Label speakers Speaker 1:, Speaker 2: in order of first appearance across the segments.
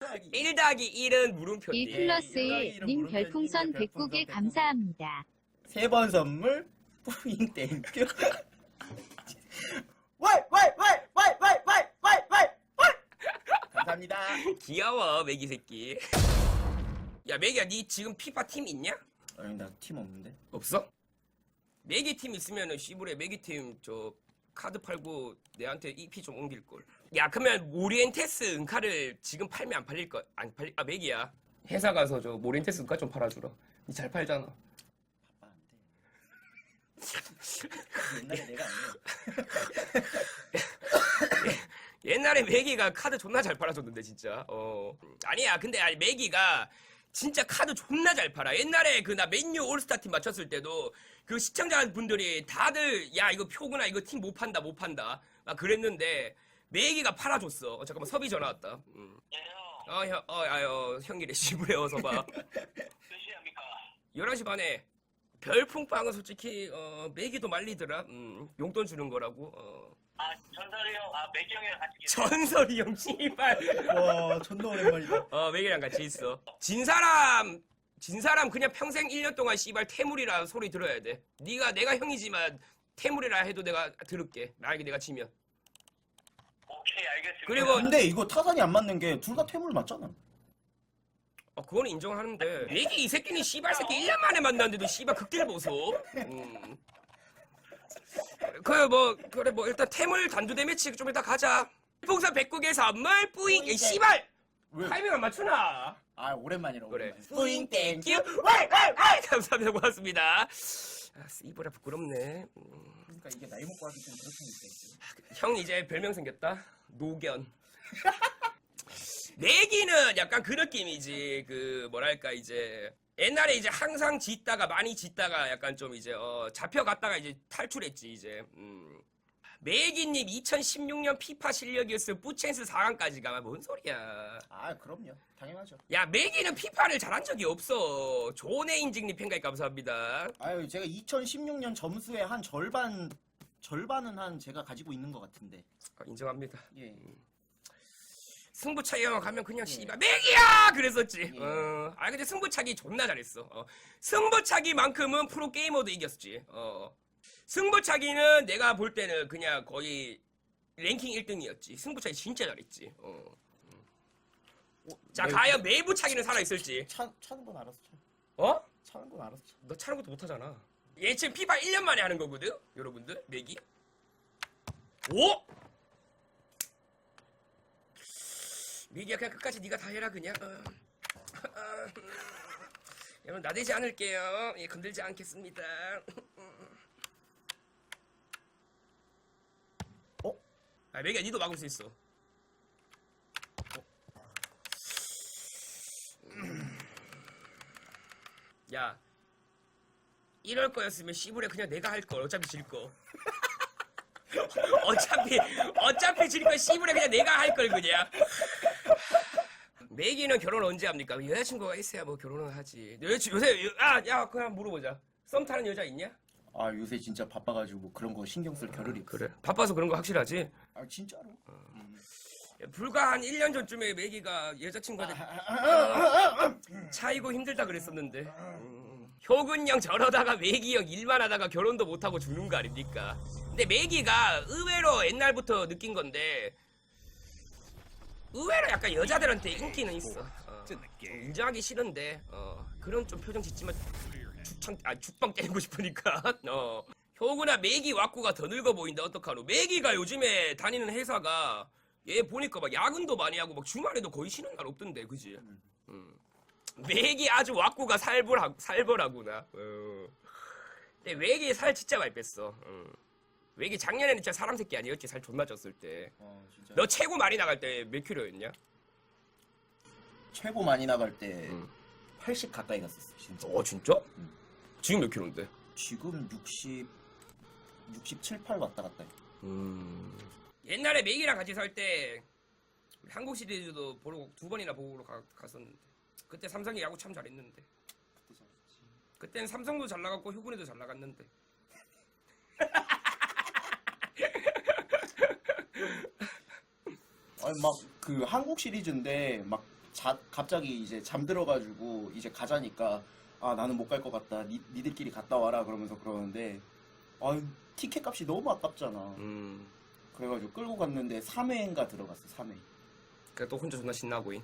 Speaker 1: 1 더하기 1은 물음표지.
Speaker 2: 1 플러스 1 님 별풍선 109개 감사합니다.
Speaker 3: 3번 선물 뿌잉 땡큐. 감사합니다.
Speaker 1: 귀여워 매기 새끼. 야 매기야 니 지금 피파 팀 있냐?
Speaker 3: 아니 나 팀 없는데.
Speaker 1: 없어? 매기 팀 있으면은 시부레 매기 팀 저 카드 팔고 내한테 EP 좀 옮길걸. 야 그러면 모리엔테스 은카를 지금 팔면 안 팔릴 거 안 팔릴 아 매기야 회사 가서 저 모리엔테스 은카 좀 팔아주라. 니 잘 팔잖아.
Speaker 3: 바빠 안 돼. 옛날에 내가 아니야.
Speaker 1: 옛날에 매기가 카드 존나 잘 팔아줬는데 진짜. 아니야 근데 아니 매기가 진짜 카드 존나 잘 팔아. 옛날에 그 나 맨유 올스타 팀 맞췄을 때도 그 시청자분들이 다들 야 이거 표구나 이거 팀 못 판다 못 판다 막 그랬는데 매기가 팔아줬어. 잠깐만 섭이 전화 왔다. 형이래 시부레 어서 봐.
Speaker 4: 몇 시에 합니까?
Speaker 1: 11시 반에 별풍빵은 솔직히 매기도 말리더라. 용돈 주는 거라고.
Speaker 4: 아, 전설이 형, 매기 형이랑 같이 계세요.
Speaker 1: 전설이 형 씨발.
Speaker 3: 와 존나 오랜만이다.
Speaker 1: 매기랑 같이 있어. 진 사람 그냥 평생 1년 동안 씨발 태물이라 소리 들어야 돼. 내가 형이지만 태물이라 해도 내가 들을게. 만약에 내가 지면.
Speaker 4: 오케이, 알겠습니다.
Speaker 1: 그리고
Speaker 3: 근데 이거 타산이 안 맞는 게 둘 다 퇴물 맞잖아.
Speaker 1: 그거는 인정하는데 매기 이 새끼는 씨발 새끼 1년 만에 만났는데도 씨발 극딜 보소. 그래 뭐 일단 태물 단두대 매치 좀 이따 가자. 풍선 109개 선물 뿌잉 씨발
Speaker 3: 왜?
Speaker 1: 타이밍 안 맞추나?
Speaker 3: 아 오랜만이라고.
Speaker 1: 그래.
Speaker 3: 뿌잉 땡큐.
Speaker 1: 감사합니다. 고맙습니다. 이보라 부끄럽네.
Speaker 3: 그러니까 이게 나이 먹고 하기 좀 그렇게
Speaker 1: 형 이제 별명 생겼다. 노견. 내기는 약간 그 느낌이지. 그 뭐랄까 이제 옛날에 이제 항상 짓다가 많이 짓다가 약간 좀 이제 잡혀갔다가 이제 탈출했지 이제. 매기님 2016년 피파 실력이었으면 뿌첸스 4강까지 가면 뭔 소리야.
Speaker 3: 아 그럼요. 당연하죠.
Speaker 1: 야 매기는 피파를 잘한 적이 없어. 조네인직님 팬가입 감사합니다.
Speaker 3: 아유 제가 2016년 점수의 한 절반은 한 제가 가지고 있는 것 같은데.
Speaker 1: 인정합니다.
Speaker 3: 예.
Speaker 1: 승부차기만 가면 그냥 씨발 매기야 그랬었지.
Speaker 3: 예.
Speaker 1: 근데 승부차기 존나 잘했어. 승부차기만큼은 프로 게이머도 이겼지. 승부차기는 내가 볼 때는 그냥 거의 랭킹 1등이었지. 승부차기 진짜 잘했지. 자 과연 매부차기는 살아있을지.
Speaker 3: 차는 건 알았어. 차는 건 알았어.
Speaker 1: 너 차는 것도 못하잖아. 얘 지금 피파 1년 만에 하는 거거든. 여러분들 매기. 오! 매기야 그냥 끝까지 네가 다 해라 그냥. 여러분 나대지 않을게요. 예, 건들지 않겠습니다. 매기야 니도 막을 수 있어. 야 이럴 거였으면 씨부레 그냥 내가 할 걸. 어차피 질 거. 어차피 질 거 씨부레 그냥 내가 할 걸 그냥. 매기는 결혼 언제 합니까? 여자친구가 있어야 뭐 결혼을 하지. 요새 야 그냥 물어보자. 썸 타는 여자 있냐?
Speaker 3: 아 요새 진짜 바빠가지고 뭐 그런 거 신경 쓸 겨를이 없어.
Speaker 1: 그래. 바빠서 그런 거 확실하지?
Speaker 3: 아 진짜로.
Speaker 1: 불과 한 1년 전쯤에 매기가 여자친구한테 차이고 힘들다 그랬었는데. 효근형 저러다가 매기형 일만 하다가 결혼도 못하고 죽는 거 아닙니까? 근데 매기가 의외로 옛날부터 느낀 건데 의외로 약간 여자들한테 인기는 있어. 좀 인정하기 싫은데 그런 좀 표정 짓지만 죽방 때리고 싶으니까. 효구나 매기 왁구가 더 늙어 보인다 어떡하노. 매기가 요즘에 다니는 회사가 얘 보니까 막 야근도 많이 하고 막 주말에도 거의 쉬는 날 없던데 그지? 매기 아주 왁구가 살벌하구나. 근데 매기 살 진짜 많이 뺐어. 매기 작년에는 진짜 사람 새끼 아니었지. 살 존나 쪘을 때.
Speaker 3: 진짜.
Speaker 1: 너 최고 많이 나갈 때 몇 킬로였냐?
Speaker 3: 최고 많이 나갈 때 80 가까이 갔었어 진짜.
Speaker 1: 진짜? 지금 몇 킬로인데?
Speaker 3: 지금 67, 8 왔다 갔다 해.
Speaker 1: 옛날에 매기랑 같이 살 때 한국 시리즈도 보러 2번이나 보러 갔었는데 그때 삼성이 야구 참 잘했는데 그때는 삼성도 잘 나갔고 효군이도 잘 나갔는데
Speaker 3: 아니 막 그 한국 시리즈인데 막 갑자기 이제 잠들어가지고 이제 가자니까 아 나는 못 갈 것 같다. 니들끼리 갔다 와라 그러면서 그러는데 아 티켓 값이 너무 아깝잖아. 그래가지고 끌고 갔는데 3회인가 들어갔어. 3회.
Speaker 1: 그래 또 혼자 존나 신나고잉.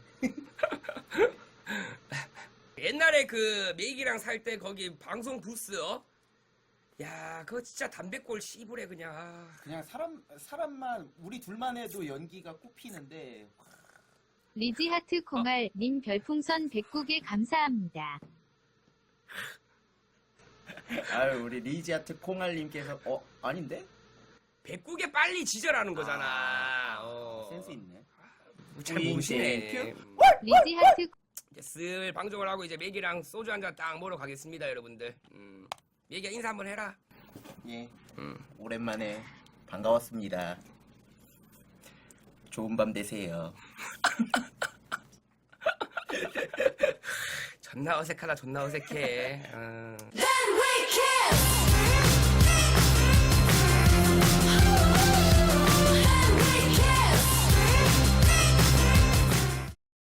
Speaker 1: 옛날에 그 메기랑 살 때 거기 방송 부스 야 그거 진짜 담배꼴 씨부래 그냥.
Speaker 3: 그냥 사람만 우리 둘만 해도 연기가 꼽히는데
Speaker 2: 리지하트 콩알 님 별풍선 109개 감사합니다.
Speaker 3: 아유 우리 리지아트 콩알님께서 아닌데?
Speaker 1: 백국에 빨리 지절하는 거잖아.
Speaker 3: 센스 있네.
Speaker 1: 잘 모르시네.
Speaker 3: 땡큐.
Speaker 2: 리지하트
Speaker 1: 이제 슬 방송을 하고 이제 메기랑 소주 한 잔 딱 먹으러 가겠습니다, 여러분들. 메기야 인사 한번 해라.
Speaker 3: 예. 오랜만에 반가웠습니다. 좋은 밤 되세요.
Speaker 1: 존나 어색하다, 존나 어색해.
Speaker 5: Then we kiss.